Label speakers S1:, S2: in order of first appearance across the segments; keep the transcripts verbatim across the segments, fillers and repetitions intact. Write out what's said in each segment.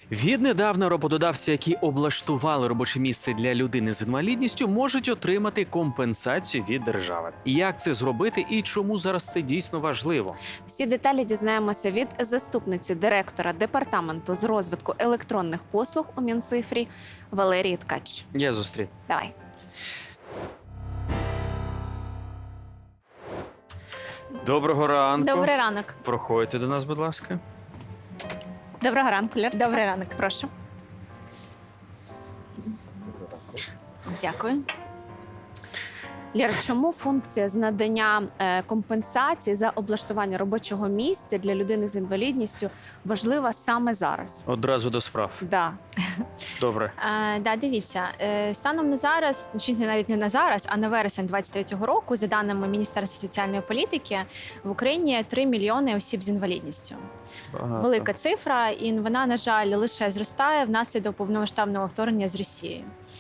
S1: Віднедавна роботодавці, які облаштували робоче місце для людини з інвалідністю, можуть отримати компенсацію від держави. Як це зробити і чому зараз це дійсно важливо?
S2: Всі деталі дізнаємося від заступниці директора департаменту з розвитку електронних послуг у Мінцифрі Валерії Ткач.
S1: Я зустрів.
S2: Давай.
S1: Доброго ранку.
S3: Добрий ранок.
S1: Проходьте до нас, будь ласка.
S2: Доброго ранку, Лєр.
S3: Добрий ранок.
S2: Прошу. Дякую. Лєр, чому функція з надання е, компенсації за облаштування робочого місця для людини з інвалідністю важлива саме зараз?
S1: Одразу до справ.
S2: Да.
S1: Добре.
S3: Е, да, дивіться, е, станом на зараз, чи навіть не на зараз, а на вересень двадцять третього року, за даними Міністерства соціальної політики, в Україні три мільйони осіб з інвалідністю.
S1: Багато.
S3: Велика цифра, і вона, на жаль, лише зростає внаслідок повномасштабного вторгнення з Росією.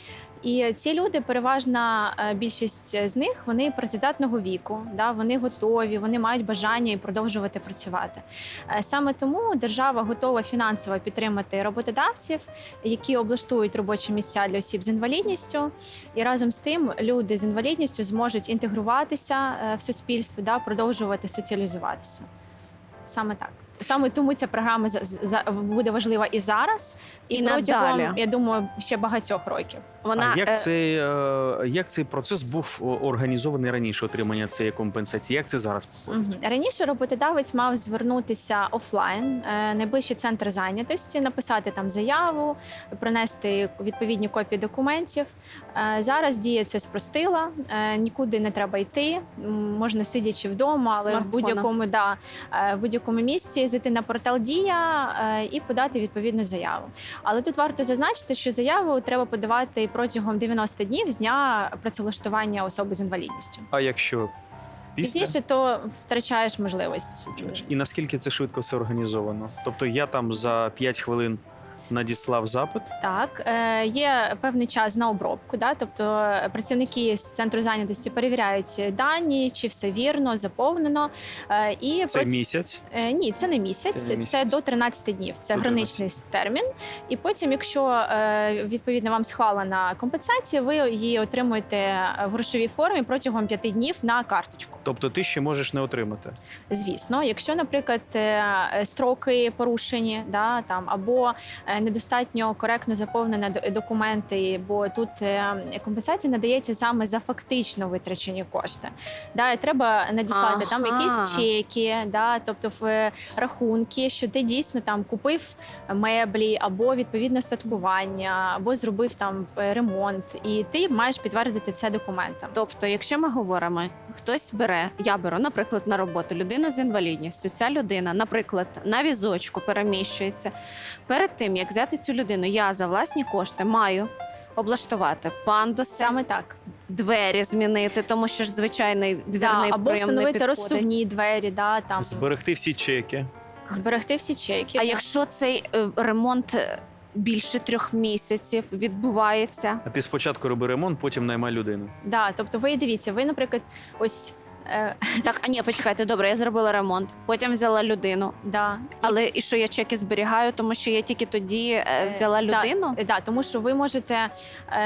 S3: І ці люди, переважна е, більшість з них, вони працездатного віку, да, вони готові, вони мають бажання і продовжувати працювати. Е, Саме тому держава готова фінансово підтримати роботодавців, які облаштують робочі місця для осіб з інвалідністю. І разом з тим люди з інвалідністю зможуть інтегруватися е, в суспільство, да, продовжувати соціалізуватися. Саме так. Саме тому ця програма за- за- буде важлива і зараз, і,
S2: І
S3: протягом,
S2: надалі.
S3: я думаю, ще багатьох років.
S2: Вона,
S1: А як
S2: е,
S1: цей, е, як цей процес був о, організований раніше, отримання цієї компенсації? Як це зараз проходить?
S3: Мгм. Раніше роботодавець мав звернутися офлайн, е, найближчий центр зайнятості, написати там заяву, принести відповідні копії документів. Е, Зараз дія це спростила, е, нікуди не треба йти, м, можна сидячи вдома, але в
S2: Смартфона.
S3: будь-якому да, е, в будь-якому місці зайти на портал Дія е, і подати відповідну заяву. Але тут варто зазначити, що заяву треба подавати протягом дев'яноста днів з дня працевлаштування особи з інвалідністю.
S1: А якщо після?
S3: Пізніше то втрачаєш можливість.
S1: І наскільки це швидко все організовано? Тобто я там за п'ять хвилин надіслав запит?
S3: Так, е, є певний час на обробку, да? Тобто е, працівники з центру зайнятості перевіряють дані, чи все вірно, заповнено. Е, і
S1: Це
S3: проти-
S1: місяць?
S3: Е, Ні, це не місяць,
S1: Це
S3: це,
S1: не місяць.
S3: до тринадцяти днів. Це
S1: До
S3: граничний термін. І потім, якщо е, відповідно вам схвалена компенсація, ви її отримуєте в грошовій формі протягом п'яти днів на карточку.
S1: Тобто ти ще можеш не отримати?
S3: Звісно, якщо, наприклад, е, строки порушені, да, там, або е, недостатньо коректно заповнені д- документи, бо тут е, компенсація надається саме за фактично витрачені кошти. Да, і треба надіслати там
S2: Ага.
S3: якісь чеки, да, тобто в е, рахунки, що ти дійсно там купив меблі, або відповідне статкування, або зробив там е, ремонт, і ти маєш підтвердити це документом.
S2: Тобто, якщо ми говоримо, хтось бере, я беру, наприклад, на роботу людину з інвалідністю. Ця людина, наприклад, на візочку переміщується. Перед тим, як взяти цю людину, я за власні кошти маю облаштувати пандуси,
S3: Саме так.
S2: двері змінити, тому що ж звичайний двірний
S3: Да, або
S2: прийом не
S3: встановити
S2: підходить.
S3: розсувні двері, да, там,
S1: Зберегти всі чеки?
S3: зберегти всі чеки.
S2: А
S3: да.
S2: якщо цей е, ремонт е, більше трьох місяців відбувається?
S1: А ти спочатку роби ремонт, потім наймай людину.
S3: Да, тобто ви дивіться, ви, наприклад, ось е,
S2: Так, а ні, почекайте, добре, я зробила ремонт, потім взяла людину.
S3: да,
S2: Але і що я чеки зберігаю, тому що я тільки тоді е, взяла
S3: да,
S2: людину?
S3: е, да, тому що ви можете е,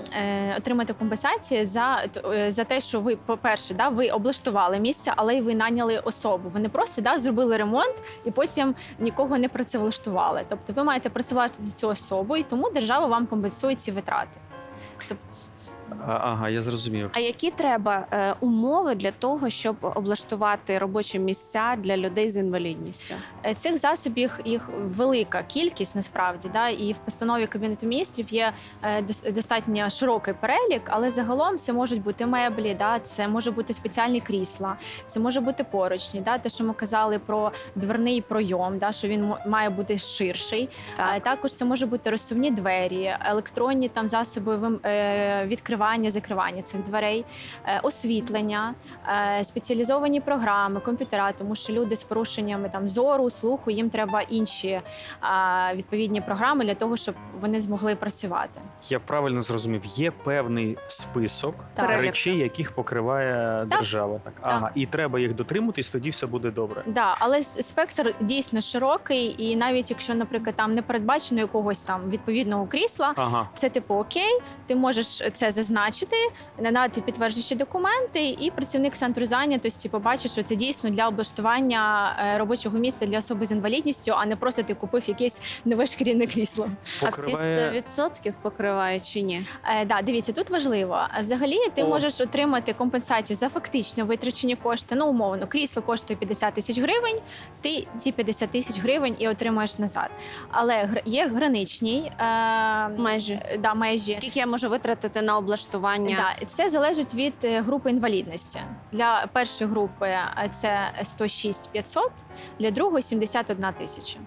S3: е, отримати компенсацію за, т- е, за те, що ви, по-перше, да, ви облаштували місце, але й ви наняли особу. Ви не просто да, зробили ремонт і потім нікого не працевлаштували. Тобто ви маєте працювати з цю особу, і тому держава вам компенсує ці витрати.
S1: А, ага, я зрозумів.
S2: А які треба е, умови для того, щоб облаштувати робочі місця для людей з інвалідністю?
S3: Е, Цих засобів їх велика кількість насправді, да, і в постанові Кабінету міністрів є е, дос- достатньо широкий перелік, але загалом це можуть бути меблі, да, це може бути спеціальні крісла, це може бути поручні, да, те, що ми казали про дверний пройом, да, що він мо- має бути ширший.
S2: Так.
S3: Е, Також це може бути розсувні двері, електронні там засоби вим- е, відкривання відкривання, закривання цих дверей, е, освітлення, е, спеціалізовані програми, комп'ютера, тому що люди з порушеннями там зору, слуху, їм треба інші е, відповідні програми для того, щоб вони змогли працювати.
S1: Я правильно зрозумів, є певний список
S3: Так.
S1: речей, яких покриває
S3: Так.
S1: держава. Так, ага, і треба їх дотримуватись, тоді все буде добре.
S3: Да, але с- спектр дійсно широкий, і навіть якщо, наприклад, там не передбачено якогось там відповідного крісла,
S1: Ага.
S3: це типу окей, ти можеш це зазначити, надати підтверджуючі документи, і працівник центру зайнятості побачить, що це дійсно для облаштування е, робочого місця для особи з інвалідністю, а не просто ти купив якесь нове шкіряне крісло.
S2: А всі сто відсотків покриває чи ні?
S3: Е, да, дивіться, тут важливо. Взагалі, ти
S1: О.
S3: можеш отримати компенсацію за фактично витрачені кошти. Ну, умовно, крісло коштує п'ятдесят тисяч гривень, ти ці п'ятдесят тисяч гривень і отримаєш назад. Але гр- є граничні е,
S2: Межі.
S3: да, межі.
S2: Скільки я можу витратити на облаштування?
S3: Да, це залежить від е, групи інвалідності. Для першої групи е, це сто шість п'ятсот, для другої сімдесят одна тисяча.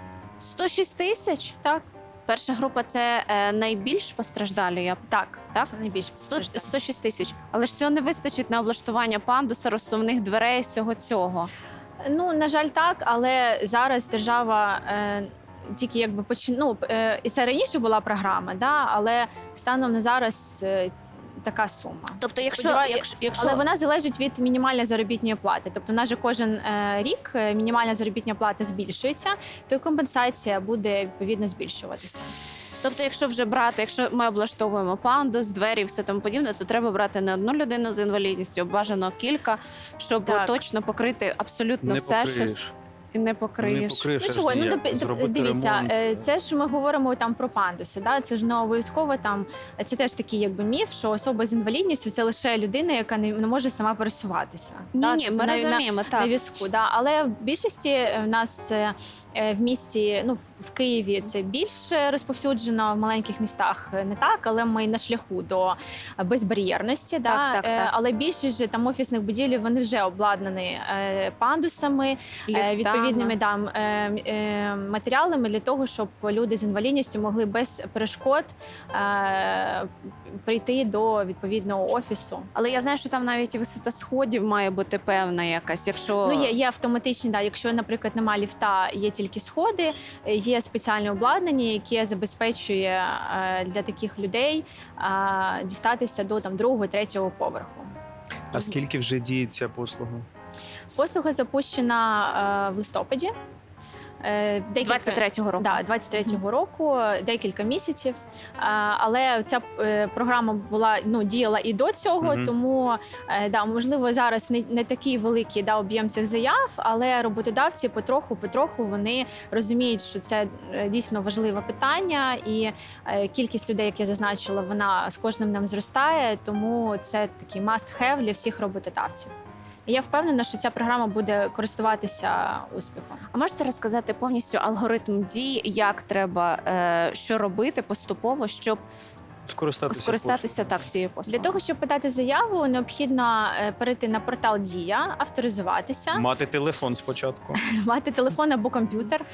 S2: сто шість тисяч?
S3: Так,
S2: Перша група це е, найбільш постраждалі. Я
S3: так,
S2: Так?
S3: це найбільш
S2: сто,
S3: постраждало.
S2: сто шість тисяч. Але ж цього не вистачить на облаштування пандуса, розсувних дверей, всього цього.
S3: Ну, на жаль, так, але зараз держава е, тільки якби почин... ну, е, і це раніше була програма, да, але станом на зараз е, така сума.
S2: Тобто, якщо,
S3: Сподіваю-
S2: якщо, якщо...
S3: Але вона залежить від мінімальної заробітної плати. Тобто, у нас же кожен е, рік е, мінімальна заробітна плата збільшується, то й компенсація буде відповідно збільшуватися.
S2: Тобто, якщо вже брати, якщо ми облаштовуємо пандус, двері, і все тому подібне, то треба брати не одну людину з інвалідністю, а бажано кілька, щоб
S3: Так.
S2: точно покрити абсолютно
S1: Не
S2: все, що
S1: покриєш.
S2: і не
S1: Не
S2: покриєш.
S1: покриєш.
S3: Ну
S1: аж
S3: чого, ну
S1: ніяк.
S3: доп- доп-
S1: Зробити
S3: дивіться,
S1: ремонт.
S3: е, це ж ми говоримо там про пандуси. Да? Це ж не обов'язково там. Це теж такий якби міф, що особа з інвалідністю це лише людина, яка не, не може сама пересуватися.
S2: Ні,
S3: да?
S2: ні,
S3: Тобто
S2: ми
S3: на- на-
S2: розуміємо,
S3: на
S2: так.
S3: візку, да. Але в більшості е, в нас е, е, в місті, ну в- в Києві це більше розповсюджено, в маленьких містах е, не так, але ми на шляху до безбар'єрності. Да.
S2: Так, так,
S3: Е,
S2: так.
S3: Але більшість же там офісних будівель вони вже обладнані е, пандусами, е,
S2: Ліфтами.
S3: відповідними там е, е, матеріалами для того, щоб люди з інвалідністю могли без перешкод е, прийти до відповідного офісу.
S2: Але я знаю, що там навіть і висота сходів має бути певна якась. Якщо
S3: Ну, є, є автоматичні, да, якщо, наприклад, немає ліфта, є тільки сходи, е, є спеціальне обладнання, яке забезпечує е, для таких людей е, дістатися до там другого, третього поверху.
S1: А скільки вже діє ця послуга?
S3: Послуга запущена е, в листопаді. Е, декілька-
S2: двадцять третього року.
S3: Да, двадцять третього року, декілька місяців. А, Але ця е, програма була ну діяла і до цього,
S1: Мгм.
S3: тому е, да, можливо, зараз не, не такий великий да, об'єм цих заяв, але роботодавці потроху, потроху вони розуміють, що це е, дійсно важливе питання, і е, кількість людей, як я зазначила, вона з кожним днем зростає, тому це такий must-have для всіх роботодавців. І я впевнена, що ця програма буде користуватися успіхом.
S2: А можете розказати повністю алгоритм дій, як треба е, що робити поступово, щоб
S1: Скористатися.
S2: скористатися так цією
S3: Для
S2: послугою?
S3: того, щоб подати заяву, необхідно е, перейти на портал Дія, авторизуватися,
S1: послугою. Мати телефон спочатку.
S3: мати телефон або комп'ютер.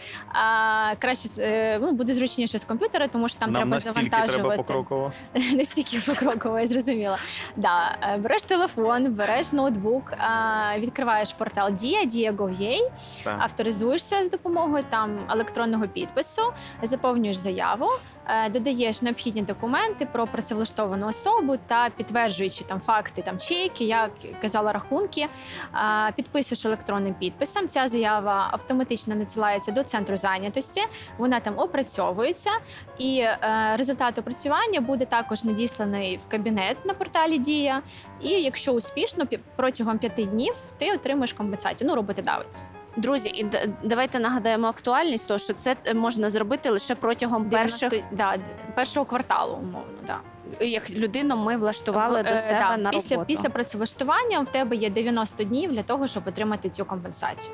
S3: А, краще з- е, ну, буде зручніше з комп'ютера, тому що там
S1: Нам
S3: треба
S1: настільки треба
S3: завантажувати.
S1: покроково.
S3: Настільки покроково, я зрозуміла. Да, е, береш телефон, береш ноутбук, а, відкриваєш портал Дія, дія точка гов точка ю а,
S1: Так.
S3: авторизуєшся з допомогою там електронного підпису, заповнюєш заяву, е, додаєш необхідні документи про працевлаштовану особу та підтверджуючи там факти, там чеки, як казала, рахунки, е, підписуєш електронним підписом. Ця заява автоматично надсилається до центру зайнятості. Вона там опрацьовується, і е, результат опрацювання буде також надісланий в кабінет на порталі Дія. І якщо успішно, пі- протягом п'яти днів ти отримаєш компенсацію. Ну, роботодавець.
S2: Друзі, і д- давайте нагадаємо актуальність, того, що це е, можна зробити лише протягом перших,
S3: дев'яносто да, д- першого кварталу, умовно. Да.
S2: як людину ми влаштували до
S3: Е,
S2: себе
S3: да,
S2: на
S3: після,
S2: роботу.
S3: після працевлаштування в тебе є дев'яносто днів для того, щоб отримати цю компенсацію.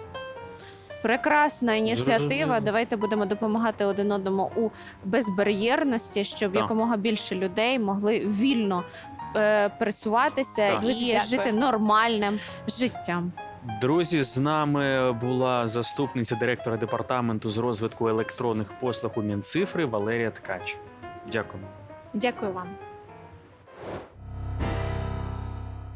S2: Прекрасна ініціатива.
S1: Зрозуміло.
S2: Давайте будемо допомагати один одному у безбар'єрності, щоб
S1: Так.
S2: якомога більше людей могли вільно е, пересуватися
S1: Так.
S2: і
S3: Дуже дякую.
S2: жити нормальним життям.
S1: Друзі, з нами була заступниця директора департаменту з розвитку електронних послуг у Мінцифри Валерія Ткач. Дякуємо.
S3: Дякую вам.